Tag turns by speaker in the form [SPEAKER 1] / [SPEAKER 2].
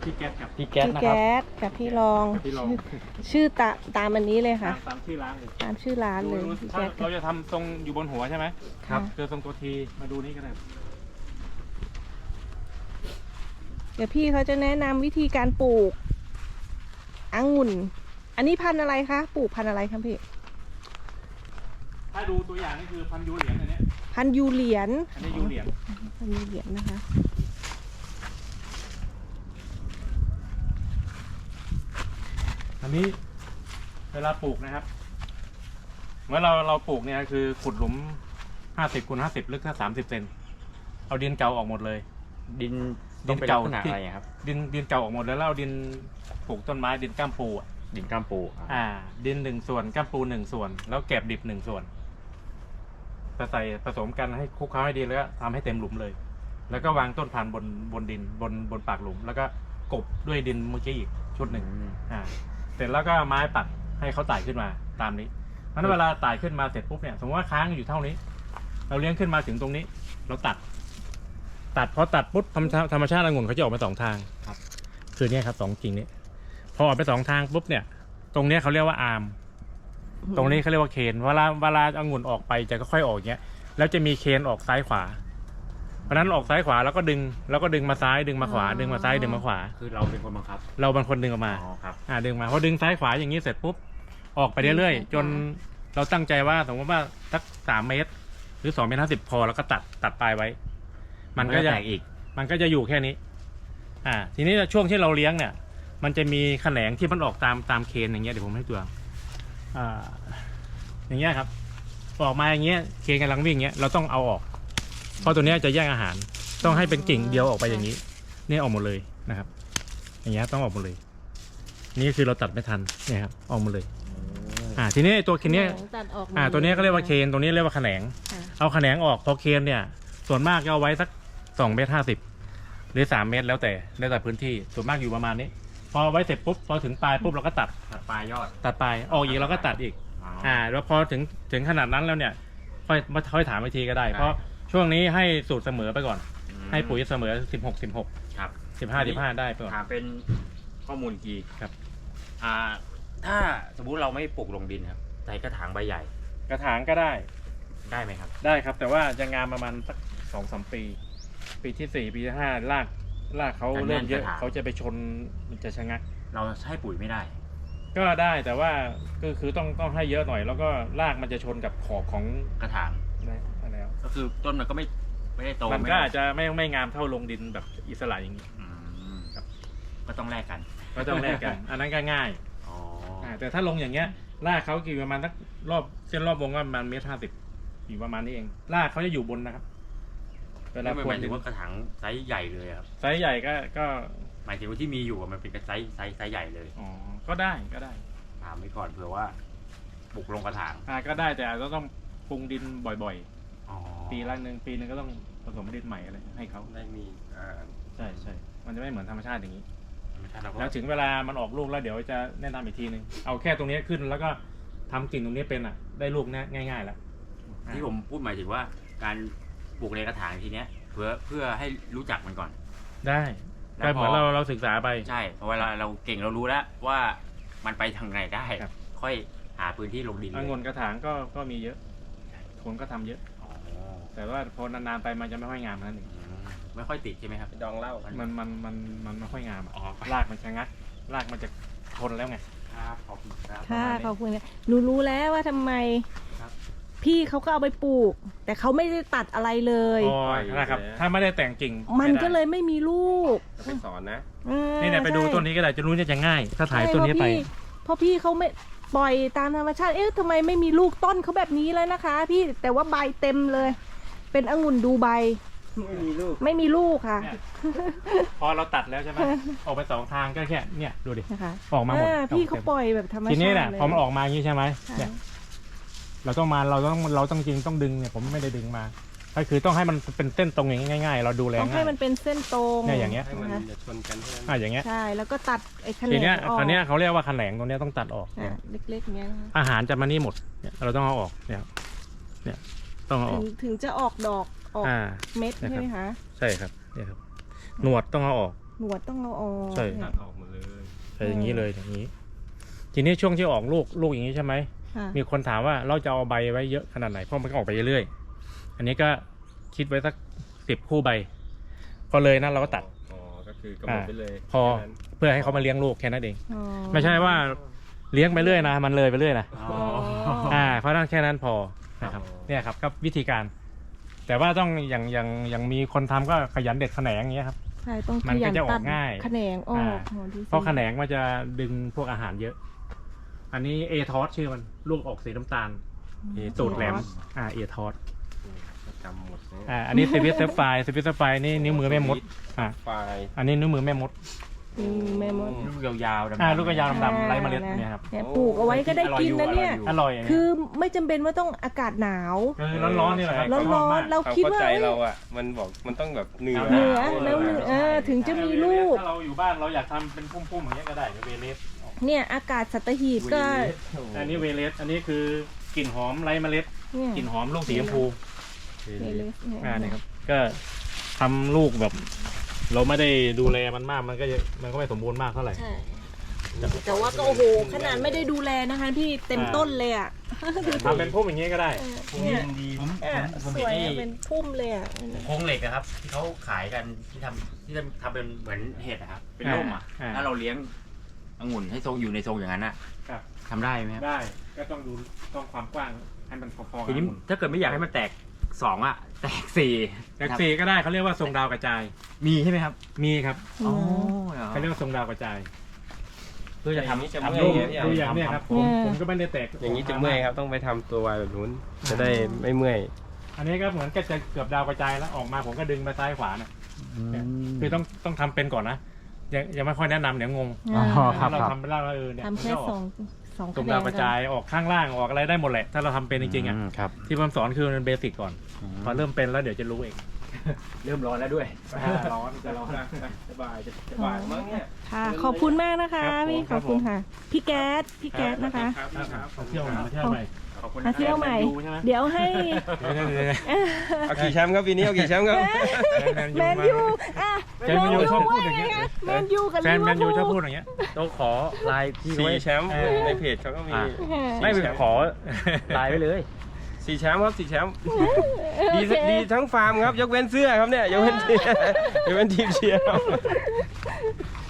[SPEAKER 1] พี่แก๊สครับ
[SPEAKER 2] พี่แก๊ส
[SPEAKER 3] พี่
[SPEAKER 2] นะครับ
[SPEAKER 3] แก๊สกับพี่รอง
[SPEAKER 1] พี่ลอง
[SPEAKER 3] ชื่อตามอันนี้เลยค่ะ
[SPEAKER 1] ตามชื่อร้านเลย
[SPEAKER 3] ตามชื่อร้านเลยพี่
[SPEAKER 1] ถ้า
[SPEAKER 3] แก๊สกั
[SPEAKER 1] เรา
[SPEAKER 3] บ
[SPEAKER 1] จะทำทรงอยู่บนหัวใช่ไหม
[SPEAKER 3] ครับ
[SPEAKER 1] เจอทรงตัวทีมาดูนี่ก็ได้
[SPEAKER 3] เดี๋ยวพี่เขาจะแนะนำวิธีการปลูกองุ่น อันนี้พันธุ์อะไรคะปลูกพันธุ์อะไรครับพี่
[SPEAKER 1] ถ้าดูตัวอย่างนี่คือพันยูเหรียญอันเนี้ย
[SPEAKER 3] พันธุ์ยูเหรียญ
[SPEAKER 1] อันนี้ยูเหรียญ
[SPEAKER 3] พันธุ์ยูเหรียญนะคะ
[SPEAKER 1] อันนี้เวลาปลูกนะครับเมื่อเราปลูกเนี่ยคือขุดหลุม50 คูณ 50ลึกแค่30 เซนเอาดินเก่าออกหมดเลย
[SPEAKER 2] ดิน
[SPEAKER 1] ดินเก่า
[SPEAKER 2] ต้องเป็นลักษณะอะไรครับ
[SPEAKER 1] ดินเก่าออกหมดแล้วเราเอาดินปลูกต้นไม้ดินก้ามปูอ่ะ
[SPEAKER 2] ดินก้ามปู
[SPEAKER 1] ดิน1 ส่วนก้ามปู1 ส่วน แล้วแกบดิบ1 ส่วนใส่ผสมกันให้คลุกเคล้าให้ดีแล้วก็ทำให้เต็มหลุมเลย แล้วก็วางต้นพันธุ์บนดินบนปากหลุม แล้วก็กบด้วยดินเมื่อกี้อีกชุดหนึ่งเสร็จแล้วก็ไม้ปักให้เขาไต่ขึ้นมาตามนี้เพราะฉะนั้นเวลาไต่ขึ้นมาเสร็จปุ๊บเนี่ยสมมติว่าค้างอยู่เท่านี้ เราเลี้ยงขึ้นมาถึงตรงนี้ เราตัดพอตัดปุ๊บธรรมชาติองุ่นเขาจะออกมา2 ทางครับคือเนี่ยครับ2 กิ่งนี้พอออกไป2 ทางปุ๊บเนี่ยตรงเนี้ยเขาเรียกว่าอาร์มตรงนี้เขาเรียกว่าเคนเวลาองุ่นออกไปจะค่อยๆออกอย่างเงี้ยแล้วจะมีเคนออกซ้ายขวาเพราะนั้นออกซ้ายขวาแล้วก็ดึงมาซ้ายดึงมาขวาดึงมาซ้ายดึงมาขวา
[SPEAKER 2] คือเราเป็นคนบังคับ
[SPEAKER 1] เราเป็นคนดึงออกมา
[SPEAKER 2] อ๋อครับ
[SPEAKER 1] ดึงมาพอดึงซ้ายขวาอย่างนี้เสร็จปุ๊บออกไปเรื่อยๆจนเราตั้งใจว่าสมมติว่าสัก3 เมตร หรือ2 เมตร 50พอแล้วก็ตัดปลายไว้ มันก็จะ
[SPEAKER 2] แตกอีก
[SPEAKER 1] มันก็จะอยู่แค่นี้ ทีนี้ช่วงที่เราเลี้ยงเนี่ย มันจะมีแขนงที่มันออกตามเคนอย่างเงี้ยเดี๋ยวผมให้ตัวอย่างเงี้ยครับออกมาอย่างเงี้ยเคนกำลังวิ่งเงี้ยเราต้องเอาออก เพราะตัวเนี้ยจะแย่งอาหาร ต้องให้เป็นกิ่งเดียวออกไปอย่างนี้นี่ออกหมดเลยนะครับ อย่างเงี้ยต้องออกหมดเลย นี่คือเราตัดไม่ทันเนี่ยครับออกหมดเลยทีนี้ตัวเคนเนี้ย
[SPEAKER 3] ตัดออก
[SPEAKER 1] ตัวนี้ก็เรียกว่าเคนตัวนี้เรียกว่าแขนง เอาแขนงออกพอเคนเนี่ยส่วนมากจะเอาไว้สัก2 เมตร 50หรือ3 เมตรแล้วแต่พื้นที่ส่วนมากอยู่ประมาณนี้ พอไว้เสร็จปุ๊บพอถึงปลายปุ๊บเราก็ตัดปลายยอดตัดปลายออกอีกเราก็ตัดอีกแล้วพอถึงขนาดนั้นแล้วเนี่ยค่อยถามวิธีก็ได้ เพราะช่วงนี้ให้สูตรเสมอไปก่อนให้ปุ๋ยเสมอ16
[SPEAKER 2] ครับ
[SPEAKER 1] 15ได้ไปก่อน
[SPEAKER 2] ถามเป็นข้อมูลกี
[SPEAKER 1] ครับ
[SPEAKER 2] ถ้าสมมุติเราไม่ปลูกลงดินครับใส่กระถางใบใหญ่
[SPEAKER 1] กระถางก็ได้
[SPEAKER 2] ได้ไหมครับ
[SPEAKER 1] ได้ครับแต่ว่าจะงามประมาณสัก2-3 ปี ปีที่4ปีที่5รากเขาเริ่มเยอะเขาจะไปชนมันจะชะงัก
[SPEAKER 2] เราให้ปุ๋ยไม่ได้
[SPEAKER 1] ก็ได้แต่ว่าก็คือต้องให้เยอะหน่อย แล้วก็รากมันจะชนกับขอบของ
[SPEAKER 2] กระถาง
[SPEAKER 1] แล้ว
[SPEAKER 2] ก็คือต้นมันก็ไม่ได้โต
[SPEAKER 1] มันก็อาจจะไม่งามเท่าลงดินแบบอิสระอย่างนี้
[SPEAKER 2] ครับก็ต้องแลกกัน
[SPEAKER 1] ก็ต้องแลกกัน อันนั้นก็ง่ายแต่ถ้าลงอย่างเงี้ยรากเขากี่ประมาณสักเส้นรอบวงก็ประมาณ1.50 เมตรอยู่ประมาณนี้เองรากเขาจะอยู่บนนะครับเวลา
[SPEAKER 2] ไม่หมายถึงว่ากระถางไซส์ใหญ่เลยครับ
[SPEAKER 1] ไซส์ใหญ่ก็
[SPEAKER 2] หมายถึงว่าที่มีอยู่มันเป็นไซส์ใหญ่เลย
[SPEAKER 1] ก็ได้
[SPEAKER 2] ถามไว้ก่อนเผื่อว่าปลูกลงกระถาง
[SPEAKER 1] ก็ได้แต่อาจจะต้องปรุงดินบ่อยๆปีนึงก็ต้องผสมดินใหม่อะไรให้เขา
[SPEAKER 2] ได้มี
[SPEAKER 1] ใช่มันจะไม่เหมือนธรรมชาติอย่างนี้
[SPEAKER 2] ธรรมชาติเราก็
[SPEAKER 1] แล้วถึงเวลามันออกลูกแล้วเดี๋ยวจะแนะนำอีกทีนึงเอาแค่ตรงนี้ขึ้นแล้วก็ทำกิ่งตรงนี้เป็นได้ลูกง่ายๆแล้ว
[SPEAKER 2] ที่ผมพูดหมายถึงว่าการปลูกในกระถางทีเนี้ยเพื่อให้รู้จักมันก่อน
[SPEAKER 1] ได้ก็เหมือนเราศึกษาไป
[SPEAKER 2] ใช่เพราะเวลาเราเก่งเรารู้แล้วว่ามันไปทางไหนได้ ค่อยหาพื้นที่ลงดิน
[SPEAKER 1] องุ่นกระถางก็มีเยอะคนก็ทำเยอะแต่ว่าพอนานๆไปมันจะไม่ค่อยงามนั่นเอง
[SPEAKER 2] ไม่ค่อยติดใช่ไหมครับดองเหล้า
[SPEAKER 1] มันไม่ค่อยงามรากมันชะงักรากมันจะทนแล้วไง
[SPEAKER 2] ครับขอบคุณครับ
[SPEAKER 3] ค่ะขอบคุณหนูรู้แล้วว่าทำไมพี่เขาก็เอาไปปลูก แต่เขาไม่ได้ตัดอะไรเลย
[SPEAKER 1] นะครับถ้าไม่ได้แต่งกิ่ง
[SPEAKER 3] มันก็เลยไม่มีลูก
[SPEAKER 2] ไปสอนนะ
[SPEAKER 1] นี่ไปดูต้นนี้ก็ได้จะรู้จะง่ายถ้าถ่ายต้นนี้ไป
[SPEAKER 3] เพราะพี่เขาไม่ปล่อยตามธรรมชาติทำไมไม่มีลูกต้นเขาแบบนี้เลยนะคะ พี่แต่ว่าใบเต็มเลย เป็นองุ่นดูใบไม่มีลูกค่ะ
[SPEAKER 1] พอเราตัดแล้วใช่ไหมออกไป2 ทางก็แค่เนี่ยดูดิออกมาหมด
[SPEAKER 3] พี่เขาปล่อยแบบธรรมชาติ
[SPEAKER 1] ทีนี้เนี่ยพอมันออกมาอย่างนี้ใช่ไหมเนี่ยเราต้องจริงต้องดึงเนี่ยผมไม่ได้ดึงมาก็คือต้องให้มันเป็นเส้นตรงอย่างนี้ง่ายๆเราดูแลง่าย
[SPEAKER 3] ต้องให้มันเป็นเส้นตรง
[SPEAKER 1] เนี่ยอย่างเงี้ย
[SPEAKER 2] จะชนกัน
[SPEAKER 1] อย่างเงี้ย
[SPEAKER 3] ใช่แล้วก็ตัดไอ้แขนง
[SPEAKER 1] ทีเนี้ย
[SPEAKER 3] ออก
[SPEAKER 1] ตอนนี้เขาเรียกว่าแขนงตรงนี้ต้องตัดออก
[SPEAKER 3] เล็กๆเนี้ย
[SPEAKER 1] อาหารจะมานี่หมดเนี่ยเราต้องเอาออกเนี่ยต้องเอาออก
[SPEAKER 3] ถึงจะออกดอกออกเม็ดใช่ไหมคะ
[SPEAKER 1] ใช่ครับเนี่ยครับหนวดต้องเอาออก
[SPEAKER 3] หนวดต้องเอาออก
[SPEAKER 1] ใช่
[SPEAKER 3] เนี่
[SPEAKER 4] ตั
[SPEAKER 3] ย
[SPEAKER 4] ดออกหมดเลย
[SPEAKER 1] ใช่อย่างนี้เลยอย่างนี้ ทีนี้ช่วงที่ออกลูกอย่างนี้ใช่ไหม
[SPEAKER 3] ค่ะ
[SPEAKER 1] มีคนถามว่าเราจะเอาใบไว้เยอะขนาดไหนเพราะมันก็ออกไปเรื่อยๆอันนี้ก็คิดไว้สัก10 คู่ใบ พอเลยนะเราก็ตัด
[SPEAKER 4] อ๋อก็คือกำหนดไปเลย
[SPEAKER 1] พอ
[SPEAKER 4] แค่นั้น
[SPEAKER 1] เพื่อให้เขามาเลี้ยงลูกแค่นั้นเอง
[SPEAKER 3] อ๋อ
[SPEAKER 1] ไม่ใช่ว่าเลี้ยงไปเรื่อยนะมันเลยไปเรื่อยนะ
[SPEAKER 2] อ๋อ
[SPEAKER 1] เพราะนั้นแค่นั้นพอนะครับเนี่ยครับก็วิธีการ แต่ว่าต้องอย่างมีคนทำก็ขยันเด็ดแขนงอย่างเงี้ยครับ
[SPEAKER 3] ใช่ต้อง
[SPEAKER 1] มัน
[SPEAKER 3] ขยั
[SPEAKER 1] ก็
[SPEAKER 3] น
[SPEAKER 1] จะออก
[SPEAKER 3] ตัด
[SPEAKER 1] ง่าย
[SPEAKER 3] แขนงออกอ๋อดูสิ
[SPEAKER 1] เพราะแขนงมันจะดึงพวกอาหารเยอะ อันนี้เอทอสชื่อมันลูกออกสีน้ำตาลสูตรแหลมเอทอส
[SPEAKER 4] จำหมดเลย
[SPEAKER 1] อันนี้สวิตเซฟไฟนี่นิ้วมือแม่มด
[SPEAKER 4] ไฟล์
[SPEAKER 1] อันนี้นิ้วมือแม่มด
[SPEAKER 3] แม่มด
[SPEAKER 2] ลูกยาวๆดำๆ
[SPEAKER 1] ลูกกระยาวดำๆไร้เมล็ดเนี่ยครับ
[SPEAKER 3] เนี่ยปลูกเอาไว้ก็ได้กินนะเนี่ย
[SPEAKER 1] อร่อย
[SPEAKER 3] คือไม่จำเป็นว่าต้องอากาศหนาว
[SPEAKER 1] ร้อนๆนี่แหละครับ
[SPEAKER 3] ร้อนๆเรา
[SPEAKER 4] เขา
[SPEAKER 3] คิด
[SPEAKER 4] เข้า
[SPEAKER 3] ว่า
[SPEAKER 4] ใจเราอ่ะมันบอกมันต้องแบบเหนือ
[SPEAKER 3] เหนือแล้วเหนือถึงจะมีลูก
[SPEAKER 1] ถ้าเราอยู่บ้านเราอยากทำเป็นพุ่มๆอย่างเงี้ยก็ได้เวเลส
[SPEAKER 3] เนี่ยอากาศสัตหีบก็
[SPEAKER 1] อันนี้เวเลสอันนี้คือกลิ่นหอมไร้เมล็ด
[SPEAKER 3] เนี่ย
[SPEAKER 1] กลิ่นหอมลูกสีชมพู
[SPEAKER 3] เนี่ย
[SPEAKER 1] นี่ครับก็ทำลูกแบบ เราไม่ได้ดูแลมันมากมันก็ไม่สมบูรณ์มากเท่าไหร่
[SPEAKER 3] ใช่แต่ว่าก็โอ้โหขนาดไม่ได้ดูแลนะคะพี่เต็มต้นเลยอ่ะ
[SPEAKER 1] ทำเป็นพุ่มอย่างเงี้ยก็ได้
[SPEAKER 3] เนี่ย
[SPEAKER 2] ดี
[SPEAKER 3] สวยอะเป็นพุ่มเลยอ่ะ
[SPEAKER 2] โครงเหล็กนะครับ ที่เขาขายกันที่ทำเป็นเหมือนเห็ดนะครับ เป็นร่มอ่ะ ถ้าเราเลี้ยงองุ่นให้ทรงอยู่ในทรงอย่างนั้นอ่ะ
[SPEAKER 1] ครับ
[SPEAKER 2] ทำได้ไหมครับ
[SPEAKER 1] ได้ก็ต้องความกว้างให้มันพอๆกั
[SPEAKER 2] ทีนี้ถ้าเกิดไม่อยากให้มันแตก2อ่ะ แตก4
[SPEAKER 1] จากสีก็ได้เขาเรียกว่าทรงดาวกระจาย
[SPEAKER 2] มีใช่ไหมครับ
[SPEAKER 1] มีครับ
[SPEAKER 2] อ๋อ
[SPEAKER 1] เขาเรียกว่าทรงดาวกระจาย
[SPEAKER 2] เพื่อจะ
[SPEAKER 4] อย่างนี้จะ
[SPEAKER 2] ทำ
[SPEAKER 4] เมื่อย
[SPEAKER 2] รูป
[SPEAKER 4] ไงพี่
[SPEAKER 1] ดูอย่างเนี้ยครับผมก็ไม่ได้แตก
[SPEAKER 4] อย่างนี้จะเมื่อยครับต้องไปทำตัววายแบบนู้นจะได้ไม่เมื่อย
[SPEAKER 1] อันนี้ก็เหมือนก็จะเกือบดาวกระจายแล้วออกมาผมก็ดึงไปซ้ายขวานะคือต้องทำเป็นก่อนนะยังไม่ค่อยแนะนำเดี๋ยวงง
[SPEAKER 3] อ่า
[SPEAKER 1] เราทำไปแล้วเนี่ย
[SPEAKER 3] ทำแค่สอง
[SPEAKER 1] ตรงดาวกระจายออกข้างล่างออกอะไรได้หมดแหละถ้าเราทำเป็นจริงๆอ่ะ
[SPEAKER 2] ครับ
[SPEAKER 1] ที่ผมสอนคือมันเบสิกก่อนพอเริ่มเป็นแล้วเดี๋ยวจะรู้เอง
[SPEAKER 2] เริ่มร้อนแล้วด้วย
[SPEAKER 1] ร้อนจะร้อน
[SPEAKER 4] สบายจะบายมั้งเนี่ย
[SPEAKER 3] ค่ะขอบคุณมากนะคะ
[SPEAKER 1] ครับผม
[SPEAKER 3] พี่ขอบคุณค่ะ พี่แก๊สนะคะ
[SPEAKER 1] เที่ยวมาเที่ยวใหม่
[SPEAKER 2] ขอบคุณ
[SPEAKER 3] มาเที่ยวใหม่
[SPEAKER 1] ใช่ไหม
[SPEAKER 3] เดี๋ยวให้
[SPEAKER 4] เอากี่แชมป์ครับปีนี้เอากี่แชมป์ครับ
[SPEAKER 3] แมนยูอ่ะ
[SPEAKER 1] แฟนแมนยูชอบพูดอย่างเงี้ย
[SPEAKER 3] แมนยูกับ
[SPEAKER 1] แฟนแมนยูชอบพูด
[SPEAKER 3] ด
[SPEAKER 1] อย่างเงี้ย
[SPEAKER 2] ต้องขอไลน์พี่เขา
[SPEAKER 4] สี่
[SPEAKER 2] ไว้
[SPEAKER 4] แชมป์ในเพจเขาก็มี
[SPEAKER 2] ไม่ไปขอไลน์ไว้เลย
[SPEAKER 4] 4 แชมป์ครับ4 แชมป์ดีทั้งฟาร์มครับยกเว้นเสื้อครับเนี่ยยกเว้นทีมเชียร์ครับ